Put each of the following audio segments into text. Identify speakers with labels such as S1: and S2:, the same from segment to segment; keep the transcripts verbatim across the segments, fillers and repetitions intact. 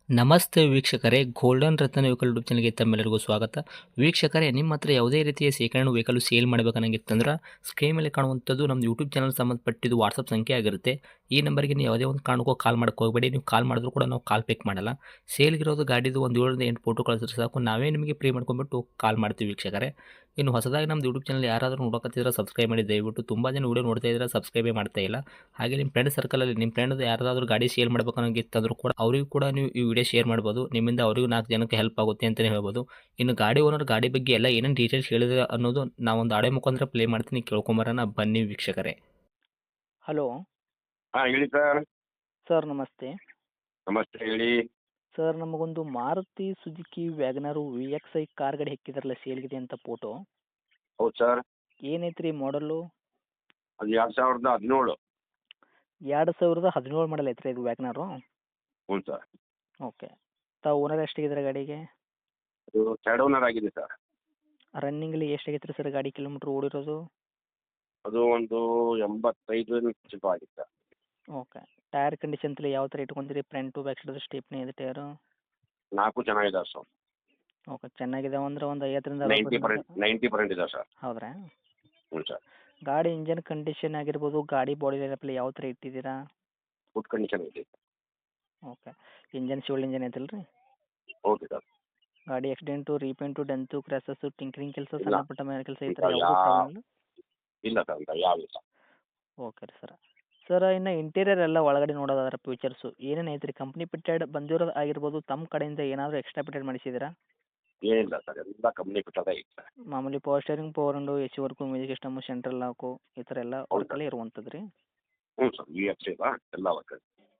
S1: ನಮಸ್ತೆ ವೀಕ್ಷಕರೇ, ಗೋಲ್ಡನ್ ರತ್ನ vehicle YouTube ಚಾನಲ್ಗೆ ತಮ್ಮೆಲ್ಲರಿಗೂ ಸ್ವಾಗತ. ವೀಕ್ಷಕರೇ, ನಿಮ್ಮ ಹತ್ರ ಯಾವುದೇ ರೀತಿಯ ಶೇಖರಣೆ ವೆಹಿಕಲ್ ಸೇಲ್ ಮಾಡಬೇಕನ್ನಂಗಿತ್ತಂದ್ರೆ ಸ್ಕ್ರೀನ್ ಮೇಲೆ ಕಾಣುವಂಥದ್ದು ನಮ್ಮ ಯೂಟ್ಯೂಬ್ ಚಾನಲ್ ಸಂಬಂಧಪಟ್ಟಿದ್ದು ವಾಟ್ಸಪ್ ಸಂಖ್ಯೆ ಆಗಿರುತ್ತೆ. ಈ ನಂಬರ್ಗೆ ನೀವು ಯಾವುದೇ ಒಂದು ಕಾರಣಕ್ಕೂ ಕಾಲ್ ಮಾಡಕ್ಕೆ ಹೋಗಬೇಡಿ. ನೀವು ಕಾಲ್ ಮಾಡಿದ್ರು ಕೂಡ ನಾವು ಕಾಲ್ ಪಿಕ್ ಮಾಡಲ್ಲ. ಸೇಲ್ಗಿರೋದು ಗಾಡಿದು ಒಂದು ಏಳರಿಂದ ಎಂಟು ಫೋಟೋ ಕಳಿಸಿದ್ರೆ ಸಾಕು, ನಾವೇ ನಿಮಗೆ ಪ್ರೀ ಮಾಡ್ಕೊಂಡ್ಬಿಟ್ಟು ಕಾಲ್ ಮಾಡ್ತೀವಿ ವೀಕ್ಷಕರೇ. ಇನ್ನು ಹೊಸದಾಗಿ ನಮ್ಮದು ಯೂಟ್ಯೂಬ್ ಚಾನಲ್ ಯಾರಾದರೂ ನೋಡೋಕತ್ತಿದ್ರೆ ಸಬ್ಸ್ಕ್ರೈಬ್ ಮಾಡಿ ದಯವಿಟ್ಟು. ತುಂಬ ಜನ ವೀಡಿಯೋ ನೋಡ್ತಾ ಇದ್ದಾರೆ, ಸಬ್ಸ್ಕ್ರೈಬೇ ಮಾಡ್ತಾ ಇಲ್ಲ. ಹಾಗೆ ನಿಮ್ಮ ಫ್ರೆಂಡ್ ಸರ್ಕಲಲ್ಲಿ ನಿಮ್ಮ ಫ್ರೆಂಡ್ ಯಾರಾದರೂ ಗಾಡಿ ಸೇಲ್ ಮಾಡ್ಬೇಕನ್ನೋಂಗಿತ್ತಂದ್ರೂ ಕೂಡ ಅವರಿಗೂ ಕೂಡ ನೀವು ಈ ವಿಡಿಯೋ ಶೇರ್ ಮಾಡ್ಬೋದು. ನಿಮ್ಮಿಂದ ಅವರಿಗೂ ನಾಲ್ಕು ಜನಕ್ಕೆ ಹೆಲ್ಪ್ ಆಗುತ್ತೆ ಅಂತಲೇ ಹೇಳ್ಬೋದು. ಇನ್ನು ಗಾಡಿ ಓನರ್ ಗಾಡಿ ಬಗ್ಗೆ ಎಲ್ಲ ಏನೇನು ಡೀಟೇಲ್ಸ್ ಹೇಳಿದ್ರೆ ಅನ್ನೋದು ನಾವೊಂದು ಆಡೆ ಮುಖಾಂತರ ಪ್ಲೇ ಮಾಡ್ತೀನಿ, ಕೇಳ್ಕೊಂಬರೋಣ ಬನ್ನಿ ವೀಕ್ಷಕರೇ.
S2: ಹಲೋ
S3: ಹಾಂ ಹೇಳಿ ಸರ್.
S2: ಸರ್ ನಮಸ್ತೆ.
S3: ನಮಸ್ತೆ ಹೇಳಿ.
S2: ಸರ್ ನಮಗೊಂದು Maruti Suzuki WagonR V X I car ಗಾಡಿ ಹಾಕಿದಾರಲ್ಲ ಸೇಲ್ಗಿದೆ ಅಂತ ಫೋಟೋ,
S3: ಹೌದು ಸರ್.
S2: ಏನೈತೆ ರೀ ಮಾಡಲು?
S3: ಅದು ಎರಡು ಸಾವಿರದ ಹದಿನೇಳು.
S2: ಎರಡು ಸಾವಿರದ ಹದಿನೇಳು ಮಾಡಲ್ ಐತ್ರಿ ಇದು ವ್ಯಾಗನರು?
S3: ಹ್ಞೂ ಸರ್.
S2: ಓಕೆ. ತಾವು ಓನರ್ ಎಷ್ಟಾಗಿದ್ದಾರೆ ಗಾಡಿಗೆ?
S3: ಅದು ಥರ್ಡ್ ಓನರ್ ಆಗಿದೆ ಸರ್.
S2: ರನ್ನಿಂಗಲ್ಲಿ ಎಷ್ಟಾಗೈತೆ ರೀ ಸರ್ ಗಾಡಿ ಕಿಲೋಮೀಟ್ರ್ ಓಡಿರೋದು?
S3: ಅದು ಒಂದು ಎಂಬತ್ತೈದು ಚಿಪ್ ಆಗಿದೆ ಸರ್.
S2: ಓಕೆ. ಟೈರ್ ಕಂಡೀಷನ್ ತಲೆ ಯಾವ ಥರ ಇಟ್ಕೊಂತೀರಿ? ಫ್ರಂಟು ಬ್ಯಾಕ್ ಸೈಡ್ ಸ್ಟೇಪ್ನಿ ಇದೆ ಟೈರು?
S3: ನಾಲ್ಕು ಚೆನ್ನಾಗಿದ್ದಾವೆ ಸರ್.
S2: ಓಕೆ, ಚೆನ್ನಾಗಿದಾವೆ ಅಂದ್ರೆ ಒಂದು ಐವತ್ತರಿಂದ
S3: ನೈಂಟಿ
S2: ಅರವತ್ತು
S3: ಪರ್ಸೆಂಟ್ ನೈಂಟಿ ಪರ್ಸೆಂಟ್ ಇದಾವೆ ಸರ್.
S2: ಹೌದ್ರಾ?
S3: ಹ್ಞೂ ಸರ್.
S2: ಗಾಡಿ ಇಂಜನ್ ಕಂಡೀಷನ್ ಆಗಿರ್ಬೋದು, ಗಾಡಿ ಬಾಡಿ ಲೈನಪ್ಪಲ್ಲಿ ಯಾವ ಥರ ಇಟ್ಟಿದ್ದೀರಾ?
S3: ಗುಡ್ ಕಂಡೀಷನ್ ಇದೆ.
S2: ಓಕೆ. ಇಂಜನ್ ಶಿವಲ್ ಇಂಜನ್ ಐತಲ್ಲ ರೀ?
S3: Okay sir.
S2: ಗಾಡಿ accident, repaint, dent, crashes, tinkering ಕೆಲಸ,
S3: ಇಲ್ಲ.
S2: ಸಣ್ಣ ಪುಟ್ಟ ಮೇಲೆ ಕೆಲಸ ಈ ಥರ
S3: ಇಲ್ಲ,
S2: ಯಾವುದೂ
S3: ಯಾ-
S2: ಪ್ರಾಬ್ಲಮ್ ಇಲ್ಲ?
S3: ಇಲ್ಲ ಸರ್, ಅಂತ ಯಾವ ಇಲ್ಲ.
S2: ಓಕೆ ರೀ ಸರ್. ಸರ್ ಇನ್ನು ಇಂಟೀರಿಯರ್ ಎಲ್ಲ ಒಳಗಡೆ ನೋಡೋದಾದ್ರೆ ಫ್ಯೂಚರ್ಸು ಏನೇನು ಐತೆ ರೀ? ಕಂಪ್ನಿ ಪಿಟೆಡ್ ಬಂದಿರೋದು ಆಗಿರ್ಬೋದು, ತಮ್ಮ ಕಡೆಯಿಂದ ಏನಾದರೂ ಎಕ್ಸ್ಟ್ರಾ ಪಿಟೆಡ್ ಮಾಡಿಸಿದ್ದೀರಾ?
S3: ಏನಿಲ್ಲ ಸರ್, ಎಲ್ಲ ಕಂಪ್ನಿ ಬಿಟ್ಟದೇ ಇದೆ ಸರ್.
S2: ಮಾಮೂಲಿ power steering, power window, A C work, music system, central lock ಈ ಥರ ಎಲ್ಲ
S3: ಹೌದು
S2: ವರ್ಕಲ್ಲೇ ಇರುವಂಥದ್ದು ರೀ?
S3: ಹ್ಞೂ ಸರ್, ವಿ ಎಫ್ ಸಿ ಎಲ್ಲ ವರ್ಕ್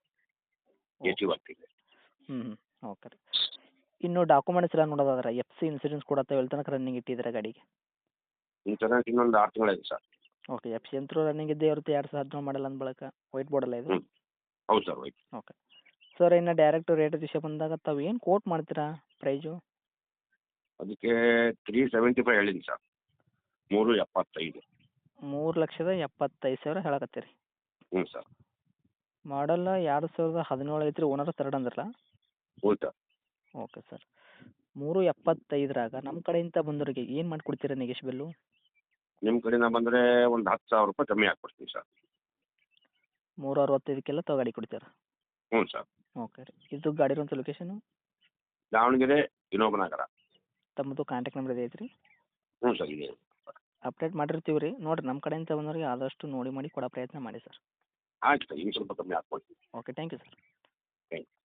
S3: ಎ ಸಿ ವರ್ಕ್ ಇದೆ.
S2: ಹ್ಞೂ ಹ್ಞೂ ಓಕೆ ರೀ. ಇನ್ನು ಡಾಕ್ಯುಮೆಂಟ್ಸ್ ಎಲ್ಲ ನೋಡೋದಾದ್ರೆ ಎಫ್ ಸಿ ಇನ್ಸೂರೆನ್ಸ್ ಕೂಡ ತಾವು ಎಲ್ಲಿ ತನಕ ರನ್ನಿಂಗ್ ಇಟ್ಟಿದ್ದೀರಾ ಗಾಡಿಗೆ?
S3: ಇನ್ಸೂರೆನ್ಸ್ ಇನ್ನೊಂದು ಆರು ತಿಂಗಳಿದೆ ಸರ್.
S2: ಓಕೆ. ಎಫ್ ಸಿ ಅಂತೂ ರನ್ನಿಂಗ್ ಇದ್ದೇ ಇರುತ್ತೆ, ಎರಡು ಸಾವಿರದ ಹದಿನೇಳು ಮಾಡಲ್ ಅಂದ ಬಳಿಕ. ವೈಟ್ ಬೋರ್ಡಲ್ಲ ಇದು?
S3: ಹ್ಞೂ ಹೌದು ಸರ್, ಹೋಯ್ತು.
S2: ಓಕೆ. ಸರ್ ಇನ್ನು ಡೈರೆಕ್ಟ್ ರೇಟ್ ವಿಷಯ ಬಂದಾಗ ತಾವು ಏನು ಕೋಟ್ ಮಾಡ್ತೀರಾ ಪ್ರೈಜು?
S3: ಅದಕ್ಕೆ ತ್ರೀ ಸೆವೆಂಟಿ ಫೈವ್ ಹೇಳಿದ್ದೀನಿ ಸರ್. ಮೂರು ಎಪ್ಪತ್ತೈದು.
S2: ಮೂರು ಲಕ್ಷದ ಎಪ್ಪತ್ತೈದು ಸಾವಿರ ಹೇಳಕತ್ತೀರಿ.
S3: ಹ್ಞೂ ಸರ್.
S2: ಮಾಡಲ್ಲ ಎರಡು ಸಾವಿರದ ಹದಿನೇಳು ಐತ್ರಿ, ಓನರ್ ತರ್ಡ್ ಅಂದ್ರಲ್ಲ?
S3: ಹ್ಞೂ ಸರ್.
S2: Okay sir. ಮೂರು ಎಪ್ಪತ್ತೈದರಾಗ ನಮ್ಮ ಕಡೆಯಿಂದ ಬಂದವರಿಗೆ ಏನು ಮಾಡಿಕೊಡ್ತೀರಾ ನೆಗೆಶ್ಬಲ್ಲು?
S3: ನಿಮ್ಮ ಕಡೆಯಿಂದ ಬಂದರೆ ಒಂದು ಹತ್ತು ಸಾವಿರ ರೂಪಾಯಿ ಕಮ್ಮಿ ಹಾಕ್ಕೊಡ್ತೀನಿ ಸರ್.
S2: ಮೂರು ಅರವತ್ತೈದಕ್ಕೆಲ್ಲ ತಾವು ಗಾಡಿ ಕೊಡ್ತೀರಾ?
S3: ಹ್ಞೂ ಸರ್.
S2: ಓಕೆ ರೀ. ಇದು ಗಾಡಿ ಇರುವಂಥ ಲೊಕೇಶನು?
S3: ದಾವಣಗೆರೆ ವಿನೋಬ ನಗರ.
S2: ತಮ್ಮದು ಕಾಂಟ್ಯಾಕ್ಟ್ ನಂಬರ್ ಇದೆ ಐತ್ರಿ?
S3: ಹ್ಞೂ ಸರ್, ಇದೆ.
S2: ಅಪ್ಡೇಟ್ ಮಾಡಿರ್ತೀವಿ ರೀ, ನೋಡಿರಿ ನಮ್ಮ ಕಡೆಯಿಂದ ಬಂದವರಿಗೆ ಆದಷ್ಟು ನೋಡಿ ಮಾಡಿ ಕೊಡೋ ಪ್ರಯತ್ನ ಮಾಡಿ ಸರ್.
S3: ಆಯ್ತು ಸರ್, ಇನ್ನು ಸ್ವಲ್ಪ ಕಮ್ಮಿ ಹಾಕ್ಕೊಡ್ತೀನಿ.
S2: Okay, thank you sir.
S3: Thank you.